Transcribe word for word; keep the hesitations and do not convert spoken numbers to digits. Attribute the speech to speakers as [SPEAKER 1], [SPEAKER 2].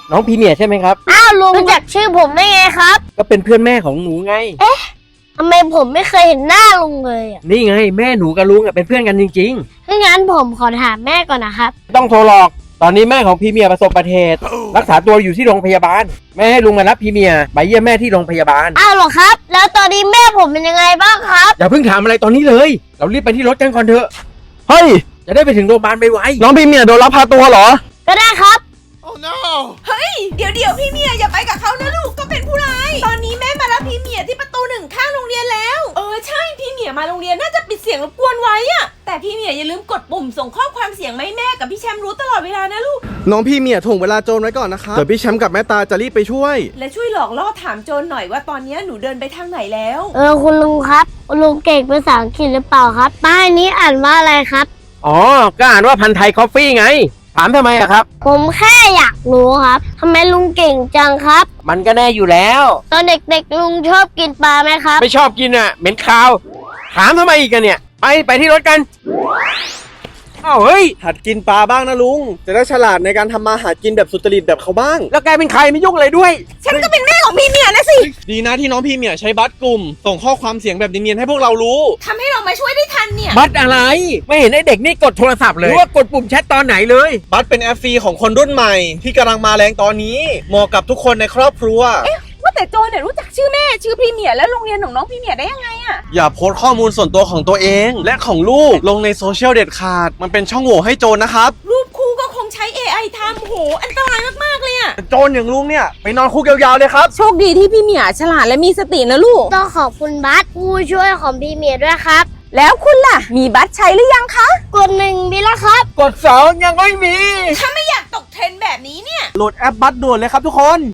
[SPEAKER 1] น้องพรีเมียร์ใช่ไหมครับ
[SPEAKER 2] อ้าวลุงรู้จักชื่อผมได้ไงครับ
[SPEAKER 1] ก็เป็นเพื่อนแม่ของหนูไง
[SPEAKER 2] เอ๊ะทำไมผมไม่เคยเห็นหน้าลุงเลยอ่ะ
[SPEAKER 1] นี่ไงแม่หนูกับลุงอ่ะเป็นเพื่อนกันจริง
[SPEAKER 2] ถ้างั้นผมขอถามแม่ก่อนนะครับ
[SPEAKER 1] ๆต้องโทรหลอกตอนนี้แม่ของพรีเมียร์ประสบอุบัติเหตุรักษาตัวอยู่ที่โรงพยาบาลแม่ให้ลุงมารับพรีเมียร์ไปเยี่ยมแม่ที่โรงพยาบาล
[SPEAKER 2] อ้าวเหรอครับแล้วตอนนี้แม่ผมเป็นยังไงบ้างครับ
[SPEAKER 1] อย่าเพิ่งถามอะไรตอนนี้เลยเรารีบไปที่รถกันก่อนเถอะ
[SPEAKER 3] เฮ้ย
[SPEAKER 1] จะได้ไปถึงโรงพยาบาลไว
[SPEAKER 3] น้องพรีเมียร์โดนลักพาตัวเหรอ
[SPEAKER 2] ก็ได้ครับ
[SPEAKER 4] Oh no เฮ้ยเดี๋ยวเดี๋ยวพี่เมียอย่าไปกับเขานะลูกก็เป็นผู้ร้ายตอนนี้แม่มารับพี่เมียที่ประตูหนึ่งข้างโรงเรียนแล้วเออใช่พี่เมียมาโรงเรียนน่าจะปิดเสียงรบกวนไว้อะแต่พี่เมียอย่าลืมกดปุ่มส่งข้อความเสียงมาให้แม่กับพี่แชมป์รู้ตลอดเวลานะลูก
[SPEAKER 3] น้องพี่เมียถ่วงเวลาโจรไว้ก่อนนะคะเดี๋ยวพี่แชมป์กับแม่ตาจะรีบไปช่วย
[SPEAKER 4] และช่วยหลอกล่อถามโจรหน่อยว่าตอนนี้หนูเดินไปทางไหนแล้ว
[SPEAKER 2] เออคุณลุงครับคุณลุงเก่งภาษาอังกฤษหรือเปล่าครับป้ายนี้อ่านว่าอะไรครับ
[SPEAKER 1] อ๋อก็อ่านว่าพันไทยคอฟฟี่ไงถามทำไมอะครับ
[SPEAKER 2] ผมแค่อยากรู้ครับทำไมลุงเก่งจังครับ
[SPEAKER 1] มันก็แน่อยู่แล้ว
[SPEAKER 2] ตอนเด็กๆลุงชอบกินปลาไหมครับ
[SPEAKER 1] ไม่ชอบกินอะเหม็นคาวถามทำไมอีกกันเนี่ยไปไปที่รถกันอ้าวเฮ้ย
[SPEAKER 3] หัดกินปลาบ้างนะลุงจะได้ฉลาดในการทำมาหากินแบบสุจริตแบบเขาบ้าง
[SPEAKER 1] แล้วแกเป็นใครไม่ยุ่งอะไรด้วย
[SPEAKER 4] ฉันก็เป็นแม่ของพี่เมียนะสิ
[SPEAKER 3] ดีนะที่น้องพี่เมียใช้บัตรกลุ่มส่งข้อความเสียงแบบเนียนๆให้พวกเรารู้
[SPEAKER 4] ทำให้เรามาช่วยได้ทันเนี่ย
[SPEAKER 1] บัตรอะไรไม่เห็นไอ้เด็กนี่กดโทรศัพท์เลยหรือว่ากดปุ่มแชทตอนไหนเลย
[SPEAKER 3] บัตรเป็นแอปฟรีของคนรุ่นใหม่ที่กำลังมาแรงตอนนี้เหมาะกับทุกคนในครอบครัว
[SPEAKER 4] ว่าแต่โจเนี่ยรู้จักชื่อแม่ชื่อพี่เมียและโรงเรียนของน้องพี่เมียได้ยังไงอะ
[SPEAKER 3] อย่าโพสต์ข้อมูลส่วนตัวของตัวเองและของลูกลงในโซเชียลเด็ดขาดมันเป็นช่องโหว่ให้โจรนะครับ
[SPEAKER 4] รูปคู่ก็คงใช้ เอ ไอ ทำโหอันตรายมากๆเลยอะ
[SPEAKER 3] โจรอย่างลุงเนี่ยไปนอนคุกยาวๆเลยครับ
[SPEAKER 4] โชคดีที่พี่เมียฉลาดและมีสตินะลูก
[SPEAKER 2] ต้องขอบคุณบัสผู้ช่วยของพี่เมียด้วยครับ
[SPEAKER 4] แล้วคุณล่ะมีบัตรใช้หรือยังคะ
[SPEAKER 2] กดหนึ่งมีแล้วครับ
[SPEAKER 1] กดสองยังไม่มี
[SPEAKER 4] ถ้าไม่อยากตกเทรนด์แบบนี้เนี่ย
[SPEAKER 3] โหลดแอปบัตรด่วนเลยครับทุกคน